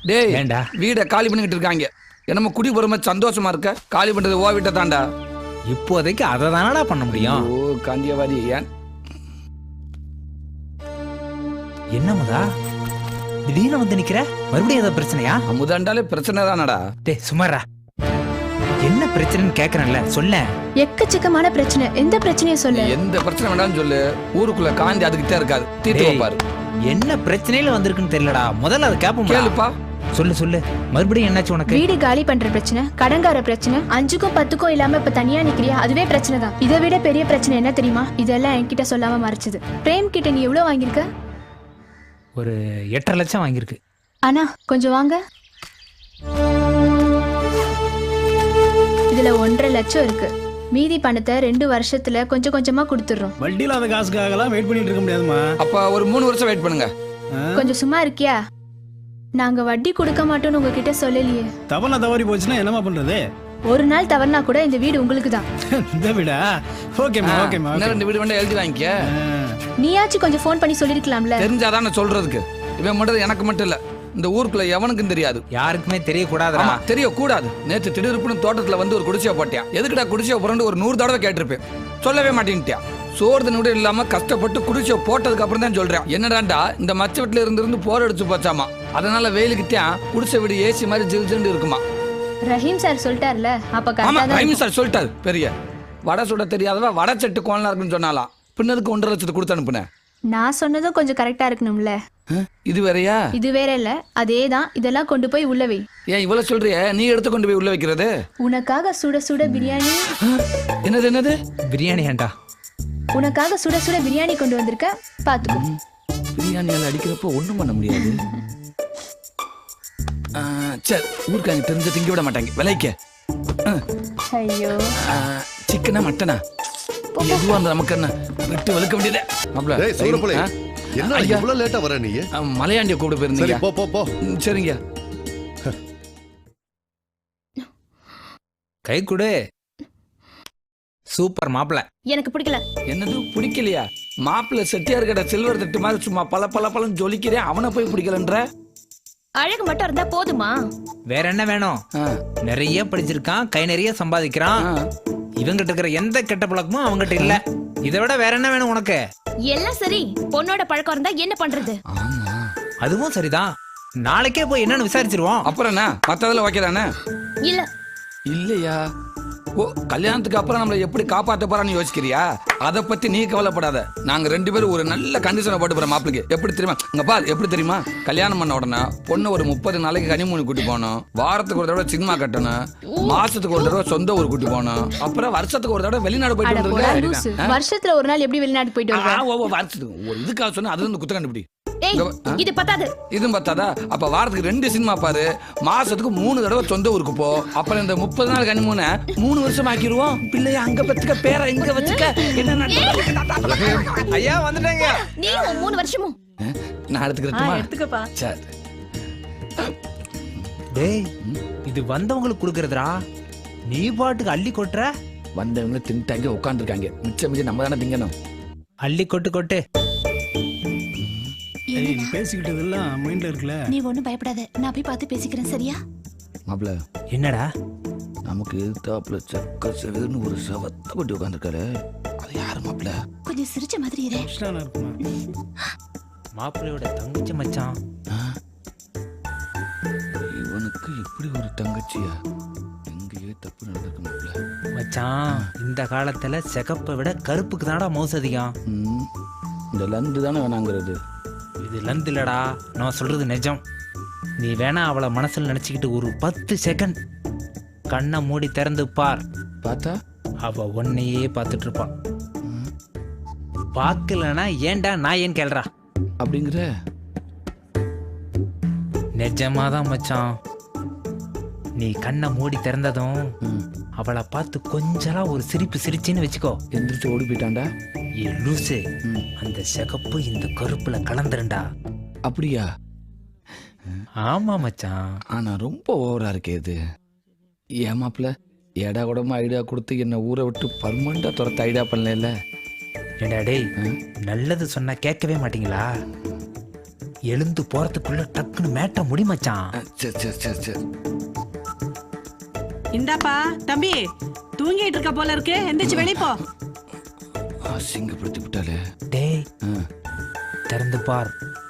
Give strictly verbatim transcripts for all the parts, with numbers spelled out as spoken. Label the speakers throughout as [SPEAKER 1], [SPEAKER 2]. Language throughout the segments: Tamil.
[SPEAKER 1] டேய்
[SPEAKER 2] ஏண்டா
[SPEAKER 1] வீடை காலி பண்ணிக்கிட்டு இருக்காங்க. என்னமோ குடி போற சந்தோஷமா இருக்க. காலி பண்றது ஓ வீட்டை தாண்டா.
[SPEAKER 2] இப்போதைக்கு அதை தானடா பண்ண முடியும்.
[SPEAKER 1] ஓ காந்தியவாதி ஏன்
[SPEAKER 2] என்னமுதா திடீர்னு வந்து நிக்கிற? மறுபடியும் ஏதாவது பிரச்சனையா?
[SPEAKER 1] அமுதாண்டாலே பிரச்சனை தானடா.
[SPEAKER 2] டேய் சுமாரா, என்ன பிரச்சனைன்னு கேக்குறேன்ல, சொல்ல.
[SPEAKER 3] எக்கச்சக்கமான பிரச்சனை. எந்த பிரச்சனையை சொல்ல?
[SPEAKER 1] எந்த பிரச்சனை வேண்டாம்னு சொல்லு. ஊருக்குள்ள காந்தி அதுக்கிட்டே இருக்காது. தீர்த்து வைப்பாரு.
[SPEAKER 2] என்ன பிரச்சனையில வந்திருக்குன்னு தெரியலடா. முதல்ல அதை கேப்போம்.
[SPEAKER 1] கேளுப்பா.
[SPEAKER 2] சொல்லு சொல்லு, மறுபடியும் என்னாச்சு உனக்கு?
[SPEAKER 3] வீடு காலி பண்ற பிரச்சனை, கடங்கார பிரச்சனை, அஞ்சுக்கும் பத்துக்கும் இல்லாம இப்ப தனியா நிக்கிறியா, அதுவே பிரச்சனை தான். இதை விட பெரிய பிரச்சனை என்ன தெரியுமா? இதெல்லாம் என்கிட்ட சொல்லாம மறைச்சது. பிரேம் கிட்ட நீ எவ்வளவு வாங்கியிருக்க?
[SPEAKER 2] ஒரு எட்டரை லட்சம் வாங்கியிருக்கு.
[SPEAKER 3] அண்ணா கொஞ்சம் வாங்க. இதுல ஒன்றரை லட்சம் இருக்கு. மீதி பணத்தை ரெண்டு வருஷத்துல கொஞ்சம் கொஞ்சமா கொடுத்துடுறோம்.
[SPEAKER 4] வட்டி இல்லாத காசுக்காகலாம் வெயிட் பண்ணிட்டு இருக்க முடியாதுமா.
[SPEAKER 1] அப்ப ஒரு மூணு வருஷம் வெயிட் பண்ணுங்க.
[SPEAKER 3] கொஞ்சம் சும்மா இருக்கியா? நாங்க வட்டி கொடுக்க மாட்டோம்னு உங்ககிட்ட சொல்லலையே.
[SPEAKER 4] தவறுனா தவறி போச்சுன்னா என்னமா பண்றது?
[SPEAKER 3] ஒரு நாள் தவறுனா கூட இந்த வீடு உங்களுக்கு தான்.
[SPEAKER 4] இந்த வீடா? ஓகேமா ஓகேமா.
[SPEAKER 1] இன்னும் ரெண்டு வீடு வேண்டாம் எழுதி வாங்கிக்க.
[SPEAKER 3] நீயாச்சும் கொஞ்சம் ஃபோன் பண்ணி சொல்லிருக்கலாம்ல.
[SPEAKER 1] தெரிஞ்சாதான் நான் சொல்றதுக்கு. இவன் மட்டும் எனக்கு மட்டும் இல்ல, இந்த ஊருக்குள்ள எவனுக்கும் தெரியாது.
[SPEAKER 2] யாருக்குமே தெரியக்கூடாதுடா.
[SPEAKER 1] தெரியக்கூடாது. நேற்று திடீர்னு தோட்டத்துல வந்து ஒரு குடிசையை போட்டியா. எதுக்குடா குடிசையை புரண்டு ஒரு நூறு தடவை கேட்டிருப்பேன். சொல்லவே மாட்டேன்ட்டியா. சோறு நூடு இல்லாம கஷ்டப்பட்டு குடிசையை போட்டதுக்கு அப்புறம் தான் சொல்றேன். என்னடாண்டா இந்த மச்ச வீட்டுல இருந்து இருந்து போர் அடிச்சு போச்சாமா. அதனால வெயிலுக்குத்தான் குடிசை வீடு ஏசி மாதிரி ஜில் ஜில்னு இருக்குமா.
[SPEAKER 3] ரஹீம் சார் சொல்லிட்டார்ல, அப்ப
[SPEAKER 1] ஆமா
[SPEAKER 3] கரெக்டா
[SPEAKER 1] ரஹீம் சார் சொல்லிட்டாரு. பெரிய வடை சுட தெரியாதவ வடை செட்டு கோலனா இருக்குன்னு சொன்னாலாம். பின்னதுக்கு ஒன்றரை லட்சத்துக்கு கொடுத்து அனுப்புனேன்.
[SPEAKER 3] நான் சொன்னதும் கொஞ்சம் கரெக்டா இருக்கணும்ல.
[SPEAKER 1] இது வேறையா?
[SPEAKER 3] இது வேற இல்ல, அதேதான். இதெல்லாம் கொண்டு போய் உள்ள வை.
[SPEAKER 1] ஏன் இவ்வளவு சொல்றிய? நீ எடுத்து கொண்டு போய் உள்ள வைக்கிறது.
[SPEAKER 3] உனக்காக சுட சுட பிரியாணி.
[SPEAKER 1] என்னது என்னது?
[SPEAKER 2] பிரியாணி ஏண்டா?
[SPEAKER 3] உனக்காக சுட சுட பிரியாணி கொண்டு வந்திருக்க, பாத்துக்கோ.
[SPEAKER 1] பிரியாணியால அடிக்கிறப்போ ஒண்ணும் பண்ண முடியாது. சரி, ஊருக்காங்க தெரிஞ்ச திங்க விட மாட்டாங்க. விலைக்க
[SPEAKER 3] ஐயோ,
[SPEAKER 1] சிக்கனா மட்டனா எதுவா இருந்தா நமக்கு என்ன விட்டு வெளுக்க வேண்டியதே.
[SPEAKER 5] என்ன இவ்வளவு லேட்டா வர? நீ
[SPEAKER 1] மலையாண்டிய கூப்பிட்டு போயிருந்தீங்க.
[SPEAKER 5] போ போ போ.
[SPEAKER 1] சரிங்க.
[SPEAKER 2] கை கொடு. சூப்பர் மாப்பிள்ள.
[SPEAKER 3] எனக்கு பிடிக்கல.
[SPEAKER 1] என்னது பிடிக்கலையா? மாப்பிள்ள செட்டியார் கடை சில்வர் தட்டு மாதிரி சும்மா பல பல பழம் ஜொலிக்கிறேன். அவனை போய் பிடிக்கலன்ற?
[SPEAKER 3] அழகு மட்டும் இருந்தா போதுமா?
[SPEAKER 2] வேற என்ன வேணும்? நிறைய படிச்சிருக்கான், கை நிறைய சம்பாதிக்கிறான். இவங்கிட்ட இருக்கிற எந்த கெட்ட பழக்கமும் அவங்ககிட்ட இல்ல. இதை விட வேற என்ன வேணும் உனக்கு?
[SPEAKER 3] எல்லாம் சரி, பொண்ணோட பழக்கம் இருந்தா என்ன பண்றது?
[SPEAKER 2] அதுவும் சரிதான். நாளைக்கே போய் என்னன்னு விசாரிச்சிருவோம்.
[SPEAKER 1] அப்புறம் என்ன மத்ததுல ஓகே தானே?
[SPEAKER 3] இல்ல
[SPEAKER 1] இல்லையா? ஓ, கல்யாணத்துக்கு அப்புறம் நம்மளை எப்படி காப்பாற்ற போறான்னு யோசிக்கிறியா? அதை பத்தி நீ கவலைப்படாத. நாங்க ரெண்டு பேரும் ஒரு நல்ல கண்டிஷனை போட்டு போறோம் மாப்பிளைக்கு. எப்படி தெரியுமா? இங்க பாரு, எப்படி தெரியுமா? கல்யாணம் பண்ண உடனே பொண்ணு ஒரு முப்பது நாளைக்கு கனிமூணு கூட்டி போகணும். வாரத்துக்கு ஒரு தடவை சினிமா கட்டணும். மாசத்துக்கு ஒரு தடவை சொந்த ஊர் கூட்டி போகணும். அப்புறம் வருஷத்துக்கு ஒரு தடவை வெளிநாடு போயிட்டு வந்துருக்க.
[SPEAKER 3] வருஷத்துல ஒரு நாள் எப்படி வெளிநாடு போயிட்டு வருவ?
[SPEAKER 1] வருஷத்துக்கு ஒரு இதுக்காக சொன்னா அது வந்து குத்த கண்டுபிடி.
[SPEAKER 3] இது பத்தாது.
[SPEAKER 1] இதுவும் பத்தாதா? அப்ப வாரத்துக்கு ரெண்டு சினிமா பாரு. மாசத்துக்கு மூணு தடவை சொந்த ஊருக்கு போ. அப்புறம் இந்த முப்பது நாள் கனிமூணு மூணு வருஷம் ஆக்கிடுவோம். பிள்ளைய அங்க பத்துக்க, பேரை இங்க வச்சுக்க. என்ன
[SPEAKER 2] ஐயா வந்துட்டாங்க.
[SPEAKER 3] நீ மூணு வருஷமும்
[SPEAKER 1] நான் எடுத்துக்கிறேன்.
[SPEAKER 3] எடுத்துக்கப்பா.
[SPEAKER 1] சரி.
[SPEAKER 2] டேய், இது வந்தவங்களுக்கு கொடுக்கறதுடா. நீ பாட்டுக்கு அள்ளி கொட்டுற.
[SPEAKER 1] வந்தவங்க தின்ட்டாங்க, உட்காந்துருக்காங்க. மிச்சம் மிச்சம் நம்ம தானே திங்கணும்.
[SPEAKER 2] அள்ளி கொட்டு கொட்டு.
[SPEAKER 4] நீ பேசிக்கிட்டது எல்லாம் மைண்ட்ல இருக்குல்ல.
[SPEAKER 3] நீ ஒண்ணும் பயப்படாத, நான் போய் பார்த்து பேசிக்கிறேன். சரியா?
[SPEAKER 1] மாப்ள,
[SPEAKER 2] என்னடா?
[SPEAKER 1] நமக்கு எதிர்த்தாப்புல சக்க செடுன்னு ஒரு சவத்தை கொட்டி உட்காந்துருக்காரு. அது யாரு மாப்ள?
[SPEAKER 3] கொஞ்சம் சிரிச்ச மாதிரி இரு.
[SPEAKER 4] இஷ்டானா இருக்குமா?
[SPEAKER 2] மாப்பிள்ளையோட தங்கச்சி மச்சான்.
[SPEAKER 1] இவனுக்கு இப்படி ஒரு தங்கச்சியா? எங்கேயே தப்பு நடந்திருக்கு மாப்ள.
[SPEAKER 2] மச்சான், இந்த காலத்துல சிகப்பை விட கருப்புக்கு தானடா மவுசு அதிகம்.
[SPEAKER 1] இந்த லந்து தானே வேணாங்கிறது.
[SPEAKER 2] இது லந்து இல்லடா, நான் சொல்றது நிஜம். நீ வேணா அவளை மனசுல நினைச்சுக்கிட்டு ஒரு பத்து செகண்ட் கண்ணை மூடி திறந்து பார்.
[SPEAKER 1] பார்த்தா
[SPEAKER 2] அவ உன்னையே பார்த்துட்டு இருப்பான். பார்க்கலனா ஏன்டா நான் ஏன் கேள்றா
[SPEAKER 1] அப்படிங்கிற?
[SPEAKER 2] நிஜமாதான் மச்சான். நீ கண்ணை மூடி திறந்ததும் அவளை பார்த்து கொஞ்சலாம் ஒரு சிரிப்பு சிரிச்சின்னு வச்சுக்கோ.
[SPEAKER 1] எந்திரிச்சு ஓடி போயிட்டான்டா.
[SPEAKER 2] ஏ லூசு, அந்த சிகப்பு இந்த கருப்புல கலந்துருண்டா.
[SPEAKER 1] அப்படியா?
[SPEAKER 2] ஆமா மச்சான்.
[SPEAKER 1] ஆனா ரொம்ப ஓவரா இருக்கே இது. ஏமாப்ல, ஏடா கூடமா ஐடியா கொடுத்து என்ன ஊரை விட்டு பர்மனண்டா துரத்த ஐடியா பண்ணல.
[SPEAKER 2] ஏடா டேய், நல்லது சொன்னா கேட்கவே மாட்டீங்களா? எழுந்து போறதுக்குள்ள டக்குன்னு மேட்ட முடி மச்சான்.
[SPEAKER 1] சரி சரி சரி சரி.
[SPEAKER 6] இந்தாப்பா தம்பி, தூங்கிட்டு இருக்க போல இருக்கு, எந்திரிச்சு வெளிய போ.
[SPEAKER 1] அசிங்கப்படுத்தி விட்டாலே.
[SPEAKER 2] டேய் திறந்து பார்.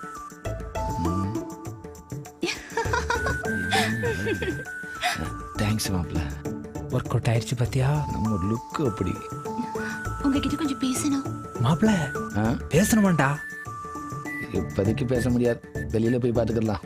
[SPEAKER 1] தேங்க்ஸ் மாப்ள.
[SPEAKER 2] ஒர்க் அவுட் ஆயிடுச்சு பாத்தியா?
[SPEAKER 1] நம்ம லுக் அப்படி.
[SPEAKER 3] உங்ககிட்ட கொஞ்சம் பேசணும்.
[SPEAKER 2] மாப்பிள
[SPEAKER 1] ஆ?
[SPEAKER 2] பேசணுமாண்டா?
[SPEAKER 1] இப்போதைக்கு பேச முடியாது, வெளியில போய் பாத்துக்கலாம்.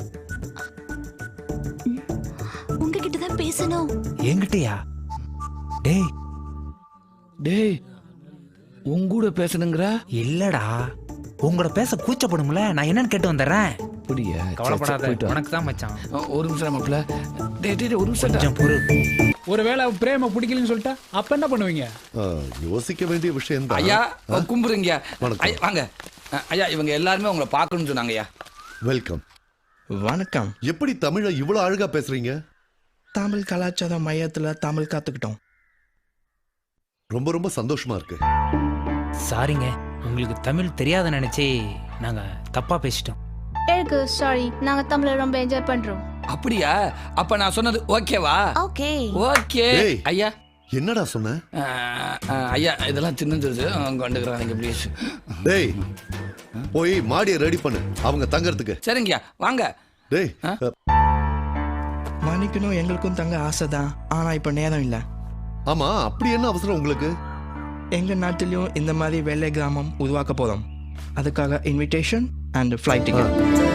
[SPEAKER 3] உங்ககிட்ட தான் பேசணும்.
[SPEAKER 2] என்கிட்டயா? டேய்
[SPEAKER 1] டேய் உங்கூட பேசணுங்கிற?
[SPEAKER 2] இல்லடா, உங்களோட பேச கூச்சப்படும்ல, நான் என்னன்னு கேட்டு வந்துடுறேன்.
[SPEAKER 1] அப்படியா?
[SPEAKER 2] கவலைப்படாத, உனக்கு தான் மச்சான்.
[SPEAKER 1] ஒரு நிமிஷம் மாப்ள. டேய் டேய் ஒரு நிமிஷம்.
[SPEAKER 2] கொஞ்சம் பொறு.
[SPEAKER 4] ஒருவேளை பிரேம பிடிக்கலன்னு சொல்லிட்டா அப்ப என்ன பண்ணுவீங்க?
[SPEAKER 5] ஆ, யோசிக்க வேண்டிய விஷயம் தான்.
[SPEAKER 1] ஐயா கும்புறீங்க.
[SPEAKER 5] வணக்கம்.
[SPEAKER 1] ஐயா, வாங்க. அ, ஐயா இவங்க எல்லாருமே உங்களை பார்க்கணும்னு சொன்னாங்க ஐயா.
[SPEAKER 5] வெல்கம்.
[SPEAKER 7] வணக்கம்.
[SPEAKER 5] எப்படி தமிழை இவ்வளவு அழகா பேசுறீங்க?
[SPEAKER 7] தமிழ் கலாச்சார மையத்துல தமிழ் கத்துக்கிட்டோம்.
[SPEAKER 5] ரொம்ப ரொம்ப சந்தோஷமா இருக்கு.
[SPEAKER 2] சாரிங்க, உங்களுக்கு தமிழ் தெரியாத நினைச்சே நாங்க தப்பா பேசிட்டோம்.
[SPEAKER 3] எனக்கு சாரி, நாங்க தமிழ ரொம்ப என்ஜாய் பண்றோம்.
[SPEAKER 1] அப்படியா? அப்ப நான் சொன்னது ஓகேவா?
[SPEAKER 3] ஓகே.
[SPEAKER 1] ஓகே.
[SPEAKER 5] ஏய்.
[SPEAKER 1] ஐயா
[SPEAKER 5] என்னடா சொன்ன?
[SPEAKER 1] அ, அ, ஐயா இதெல்லாம் சின்னது கொண்டுக்கிறாங்க ப்ளீஸ்.
[SPEAKER 5] டேய் போய் மாடியை ரெடி பண்ணு அவங்க தங்கறதுக்கு.
[SPEAKER 1] சரிங்கய்யா வாங்க.
[SPEAKER 5] டேய்
[SPEAKER 1] ஆ?
[SPEAKER 5] அ,
[SPEAKER 7] மன்னிக்கணும், எங்களுக்கும் தங்க ஆசைதான். ஆனா இப்ப நேரம் இல்ல.
[SPEAKER 5] ஆமா அப்படி என்ன அவசரம் உங்களுக்கு?
[SPEAKER 7] எங்க நாட்டிலையும் இந்த மாதிரி வெள்ளை கிராமம் உருவாக்க போறோம். அதுக்காக இன்விடேஷன் அண்ட் ஃப்ளைட் டிக்கெட்.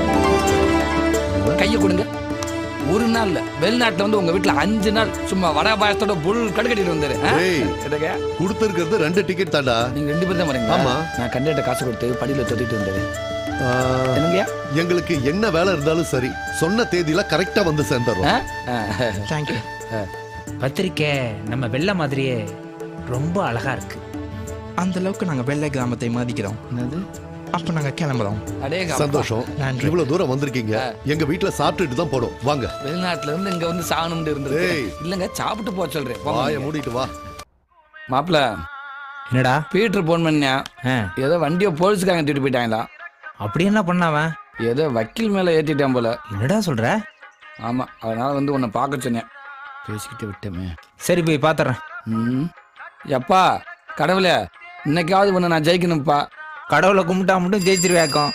[SPEAKER 1] கையை கொடுங்க. ஒரு நாள் இல்ல, வெளிநாட்டுல வந்து உங்க வீட்டுல அஞ்சு நாள் சும்மா வடை பாயசத்தோட புல் கடுக்கட்டிட்டு வந்தாரு. ஆ?
[SPEAKER 5] டேய்
[SPEAKER 1] என்னங்க?
[SPEAKER 5] கொடுத்திருக்கிறது ரெண்டு டிக்கெட் தாண்டா.
[SPEAKER 1] நீங்க ரெண்டு பேரும் தான் வரீங்க.
[SPEAKER 5] ஆமா.
[SPEAKER 1] நான் கண்டிப்பா காசு கொடுத்து படியில தொட்டிட்டு வந்தாரு.
[SPEAKER 5] ஆ,
[SPEAKER 1] என்னங்கய்யா?
[SPEAKER 5] எங்களுக்கு என்ன வேலை இருந்தாலும் சரி சொன்ன தேதியில கரெக்டா வந்து சேர்ந்துறோம்.
[SPEAKER 1] ஆ? ஆ.
[SPEAKER 7] தேங்க்யூ.
[SPEAKER 2] பத்திரிக்கை நம்ம வெள்ளை மாதிரியே ரொம்ப அழகா இருக்கு.
[SPEAKER 7] அந்த அளவுக்கு நாங்க வெள்ளை கிராமத்தை மதிக்கிறோம்.
[SPEAKER 1] என்னது?
[SPEAKER 7] அப்ப நாங்க கிளம்புறோம்.
[SPEAKER 1] அடேங்க அப்பா.
[SPEAKER 5] சந்தோஷம்.
[SPEAKER 7] நன்றி.
[SPEAKER 5] இவ்வளவு தூரம் வந்திருக்கீங்க. எங்க வீட்டுல சாப்பிட்டுட்டு தான் போடும். வாங்க.
[SPEAKER 1] வெளிநாட்டுல இருந்து இங்க வந்து சாகணும்னு இருந்தது.
[SPEAKER 5] ஏய்.
[SPEAKER 1] இல்லங்க சாப்பிட்டு போக சொல்றேன்.
[SPEAKER 5] வாயை மூடிட்டு வா.
[SPEAKER 1] மாப்பிள
[SPEAKER 2] என்னடா?
[SPEAKER 1] பீட்டர் போன் பண்ணா
[SPEAKER 2] ஆ,
[SPEAKER 1] ஏதோ வண்டியை போலீஸுக்காக தூக்கிட்டு போயிட்டாங்களா?
[SPEAKER 2] அப்படி என்ன பண்ணாவன்?
[SPEAKER 1] ஏதோ வக்கீல் மேல ஏத்திட்டான் போல.
[SPEAKER 2] என்னடா சொல்ற?
[SPEAKER 1] ஆமா, அதனால வந்து உன்னை பார்க்க சொன்னேன். பேசிக்கிட்டு விட்டமே.
[SPEAKER 2] சரி போய் பாத்துறேன்.
[SPEAKER 1] ம். எப்பா கடவுளே, இன்னைக்காவது உன்னை நான் ஜெயிக்கணும்ப்பா.
[SPEAKER 2] கடவுளை கும்பிட்டா மட்டும் ஜெயிச்சிருவேக்கம்.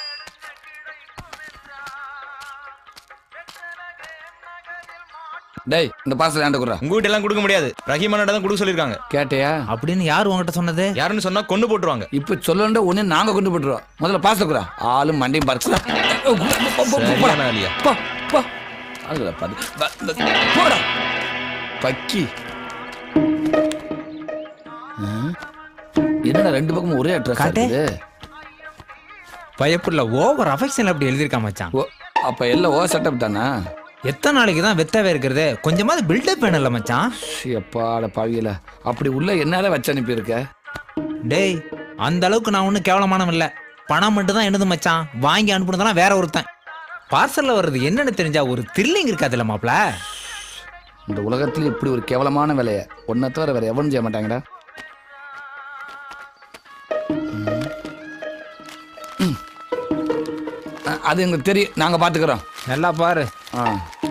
[SPEAKER 1] டேய் இந்த பாசல் ஏன்ட குறா.
[SPEAKER 8] உங்க வீட்டு எல்லாம் கொடுக்க முடியாது. ரஹீமானோட தான் கொடுக்க சொல்லிருக்காங்க.
[SPEAKER 1] கேட்டியா?
[SPEAKER 2] அப்படின்னு யார் உங்ககிட்ட சொன்னது?
[SPEAKER 8] யாருன்னு சொன்னா கொண்டு போட்டுருவாங்க.
[SPEAKER 1] இப்ப சொல்லண்ட உடனே நாங்க கொண்டு போட்டுருவோம். முதல்ல பாசல் குறா. ஆளும் மண்டையும் பறிச்சு
[SPEAKER 8] சரியான ஆளியா?
[SPEAKER 1] போடா பக்கி. ஆ? என்னடா ரெண்டு பக்கமும் ஒரே அட்ரஸ்
[SPEAKER 2] காட்டு.
[SPEAKER 1] இருக்குது.
[SPEAKER 2] பயப்புள்ள ஓவர் அஃபெக்ஷன் அப்படி எழுதியிருக்கா மச்சான்.
[SPEAKER 1] ஓ, அப்ப எல்லாம் ஓ செட்டப் தானா?
[SPEAKER 2] எத்தனை நாளைக்கு தான் வெத்தவே இருக்கிறது? கொஞ்சமாவது பில்டப் வேணும்ல மச்சான்.
[SPEAKER 1] எப்பாட பாவியல அப்படி உள்ள என்னால வச்சு அனுப்பியிருக்க.
[SPEAKER 2] டேய் அந்த அளவுக்கு நான் ஒன்றும் கேவலமானவன் இல்லை. பணம் மட்டும் தான் என்னது மச்சான். வாங்கி அனுப்புனதெல்லாம் வேற ஒருத்தன். பார்சல்ல வர்றது என்னன்னு தெரிஞ்சா ஒரு த்ரில்லிங் இருக்காதுல்ல மாப்ள?
[SPEAKER 1] இந்த உலகத்துல இப்படி ஒரு கேவலமான வேலையை ஒன்ன தவிர வேற எவனும் செய்ய மாட்டாங்கடா. ம். அ- அது எங்களுக்கு தெரியும், நாங்க பாத்துக்கிறோம்.
[SPEAKER 2] நல்லா பாரு.
[SPEAKER 1] ஆ.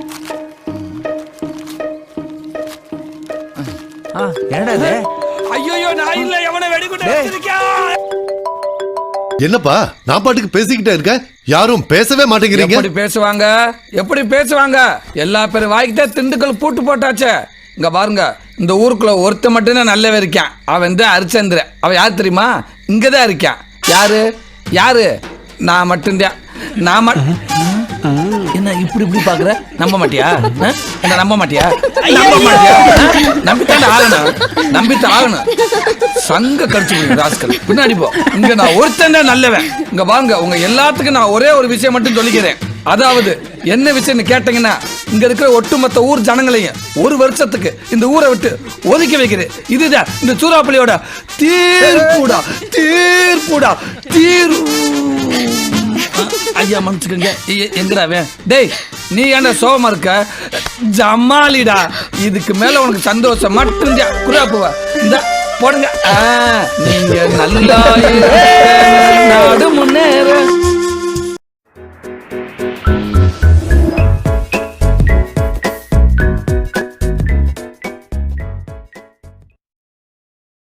[SPEAKER 2] ஆ, என்னடா இது?
[SPEAKER 1] ஐயோ நான் இல்ல, எவனை வெடிகுண்டு வச்சிருக்கேன்.
[SPEAKER 5] என்னப்பா நான் பாட்டுக்கு பேசிக்கிட்டே இருக்கேன், யாரும் பேசவே மாட்டேங்கிறீங்க.
[SPEAKER 1] எப்படி பேசுவாங்க? எப்படி பேசுவாங்க? எல்லா பேரும் வாய்க்கிட்டே திண்டுக்கல் பூட்டு போட்டாச்சே. இங்க பாருங்க, இந்த ஊருக்குள்ள ஒருத்த மட்டும்தான் நல்லவே இருக்கான். அவன் தான் ஹரிச்சந்திர. அவன் யார் தெரியுமா? இங்கதான் இருக்கான். யாரு யாரு? நான் மட்டும்தான். நான் மட்- என்ன இப்படி இப்படி பாக்குற? நம்ப மாட்டியா? ஆ? என்ன நம்ப மாட்டியா? நம்ப மாட்டியா? ஆ? நம்பித்தான் ஆகணும், நம்பித்தான் ஆகணும். சங்க கடிச்சு ராஸ்கல் பின்னாடி போ. இங்க நான் ஒருத்தன் தான் நல்லவன். இங்க வாங்க, உங்க எல்லாத்துக்கும் நான் ஒரே ஒரு விஷயம் மட்டும் சொல்லிக்கிறேன். அதாவது என்ன விஷயம்னு கேட்டீங்கன்னா, இங்க இருக்கிற ஒட்டுமொத்த ஊர் ஜனங்களையும் ஒரு வருஷத்துக்கு இந்த ஊரை விட்டு ஒதுக்கி வைக்கிறேன். இதுதான் இந்த சூறாப்பள்ளியோட தீர்ப்புடா, தீர்ப்புடா, தீர். ஐயா மன்னிச்சுக்கங்க, எ- எங்கடா அவன்? டேய் நீ ஏன்டா சோகமா இருக்க? ஜமாலிடா, இதுக்கு மேல உனக்கு சந்தோஷம் மட்டும்தான். குறாப்புவா இந்த போடுங்க. ஆ, நீங்க நல்லா இருக்க, நாடு முன்னேற.